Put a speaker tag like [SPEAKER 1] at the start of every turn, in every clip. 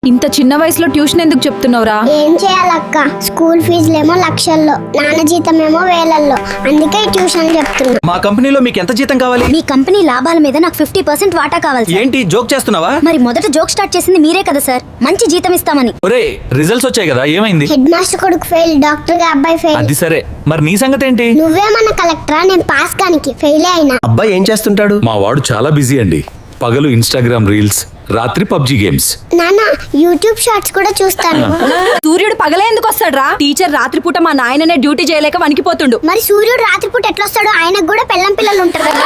[SPEAKER 1] ఇంత చిన్న వయసులో ట్యూషన్ ఎందుకు చెప్తున్నావురా?
[SPEAKER 2] ఏం చేయాలక్క, స్కూల్ ఫీజులేమో లక్షల్లో, నాన్న జీతమేమో వేలల్లో, అందుకే ట్యూషన్ చెప్తున్నా.
[SPEAKER 3] మా కంపెనీలో మీకు ఎంత జీతం కావాలి?
[SPEAKER 4] మీ కంపెనీ లాభాల మీద నాకు 50% వాటా కావాలి సార్.
[SPEAKER 3] ఏంటి జోక్ చేస్తున్నావా?
[SPEAKER 4] మరి మొదట జోక్ స్టార్ట్ చేసింది మీరే కదా సార్, మంచి జీతం ఇస్తామని.
[SPEAKER 3] ఒరే రిజల్ట్స్ వచ్చాయి కదా, ఏమైంది?
[SPEAKER 2] హెడ్ మాస్టర్ కొడుకు ఫెయిల్, డాక్టర్ గా అబ్బాయి ఫెయిల్.
[SPEAKER 3] అది సరే, మరి నీ సంగతి ఏంటి?
[SPEAKER 2] నువ్వేమన్నా కలెక్టరా? నేను పాస్ కానికి ఫెయిలే అయినా.
[SPEAKER 5] అబ్బాయి ఏం చేస్తుంటాడు?
[SPEAKER 3] మా వాడు చాలా బిజీ అండి. పగలు ఇన్స్టాగ్రామ్ రీల్స్, రాత్రి పబ్జి గేమ్స్.
[SPEAKER 2] నాన్న యూట్యూబ్ షార్ట్స్ కూడా చూస్తాను.
[SPEAKER 1] సూర్యుడు పగలే ఎందుకు వస్తాడ్రా? టీచర్ రాత్రిపూట మా నాయననే డ్యూటీ చేయలేక వణికిపోతుండు.
[SPEAKER 2] మరి సూర్యుడు రాత్రిపూట ఎట్లా వస్తాడు? ఆయనకు కూడా పెళ్ళం పిల్లలు ఉంటారు కదా.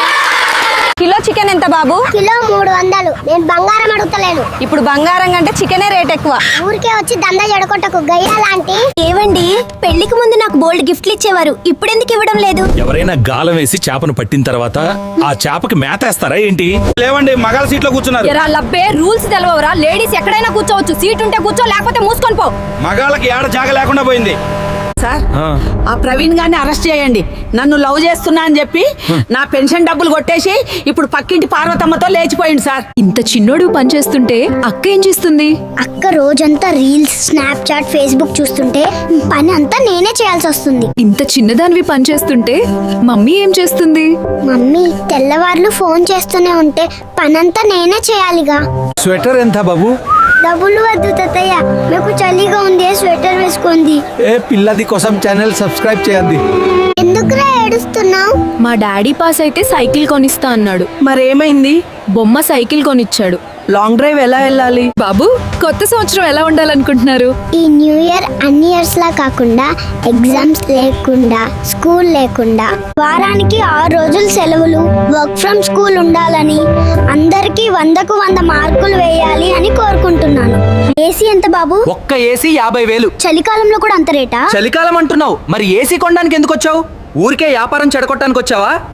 [SPEAKER 1] కిలో చికెన్ ఎంత బాబు?
[SPEAKER 2] కిలో 300. నేను బంగారం అడుగుతలేను.
[SPEAKER 1] ఇప్పుడు బంగారం కంటే చికెనే రేట్ ఎక్కువ.
[SPEAKER 2] ఊరికే వచ్చి దందా జడకొట్టకు గయ్యా లాంటి.
[SPEAKER 4] ఏవండి, పెళ్లికి ముందు నాకు బోల్డ్ గిఫ్ట్లు ఇచ్చేవారు, ఇప్పుడెందుకు ఇవ్వడం లేదు?
[SPEAKER 3] ఎవరైనా గాలం వేసి చేపను పట్టిన తర్వాత ఆ చేపకి మేతేస్తారా ఏంటి? లేవండి, మగాళ్ళ సీట్లో కూర్చున్నారు.
[SPEAKER 1] ఎరా లబ్బే, రూల్స్ తెలవరా? లేడీస్ ఎక్కడైనా కూర్చోవచ్చు, సీట్ ఉంటే కూర్చో, లేకపోతే మూసుకొని పో.
[SPEAKER 3] మగాళ్ళకి ఏడ జాగ లేకుండా పోయింది.
[SPEAKER 6] సార్, ఆ ప్రవీణ్ గారిని అరెస్ట్ చేయండి. నన్ను లవ్ చేస్తున్నా అని చెప్పి నా పెన్షన్ డబ్బులు కొట్టేసి ఇప్పుడు పక్కింటి పార్వతమ్మతో లేచిపోయింది సార్.
[SPEAKER 1] ఇంత చిన్నోడు పనిచేస్తుంటే అక్క ఏం చేస్తుంది?
[SPEAKER 2] అక్క రోజంతా రీల్స్, స్నాప్చాట్, ఫేస్బుక్ చూస్తుంటే పని అంతా నేనే చేయాల్సి వస్తుంది.
[SPEAKER 1] ఇంత చిన్నదానివి పనిచేస్తుంటే మమ్మీ ఏం చేస్తుంది?
[SPEAKER 2] మమ్మీ తెల్లవార్లు ఫోన్ చేస్తూనే ఉంటే పనంతా నేనే చేయాలిగా.
[SPEAKER 5] స్వెటర్ ఎంత బాబు?
[SPEAKER 2] డబ్బులు వద్దు తాతయ్య, నాకు చలిగా ఉంది, స్వెటర్ వేసుకుంది.
[SPEAKER 5] ఏ పిల్లది కోసం ఛానల్ సబ్స్క్రైబ్ చేయండి.
[SPEAKER 2] ఎందుకురా ఏడుస్తున్నావు?
[SPEAKER 1] మా డాడీ పాస్ అయితే సైకిల్ కొనిస్తా అన్నాడు.
[SPEAKER 6] మరేమైంది?
[SPEAKER 1] బొమ్మ సైకిల్ కొనిచ్చాడు.
[SPEAKER 6] లాంగ్ డ్రైవ్ ఎలా వెళ్ళాలి?
[SPEAKER 1] బాబు, కొత్త సంవత్సరం ఎలా ఉండాలనుకుంటున్నారు?
[SPEAKER 2] ఈ న్యూ ఇయర్ అన్ని ఇయర్స్ లా కాకుండా, ఎగ్జామ్స్ లేకుండా, స్కూల్ లేకుండా, వారానికి 6 రోజులు సెలవులు, వర్క్ ఫ్రమ్ స్కూల్ ఉండాలని, అందరికీ 100కు 100 మార్కులు వేయాలి అని కోరుకుంటున్నాను. ఏసీ ఎంత బాబు?
[SPEAKER 3] ఒక్క ఏసీ 50,000.
[SPEAKER 2] చలికాలంలో కూడా అంత రేటా?
[SPEAKER 3] చలికాలం అంటున్నావు, మరి ఏసీ కొనడానికి ఎందుకు వచ్చావు? ఊరికే వ్యాపారం చెడగొట్టడానికి వచ్చావా?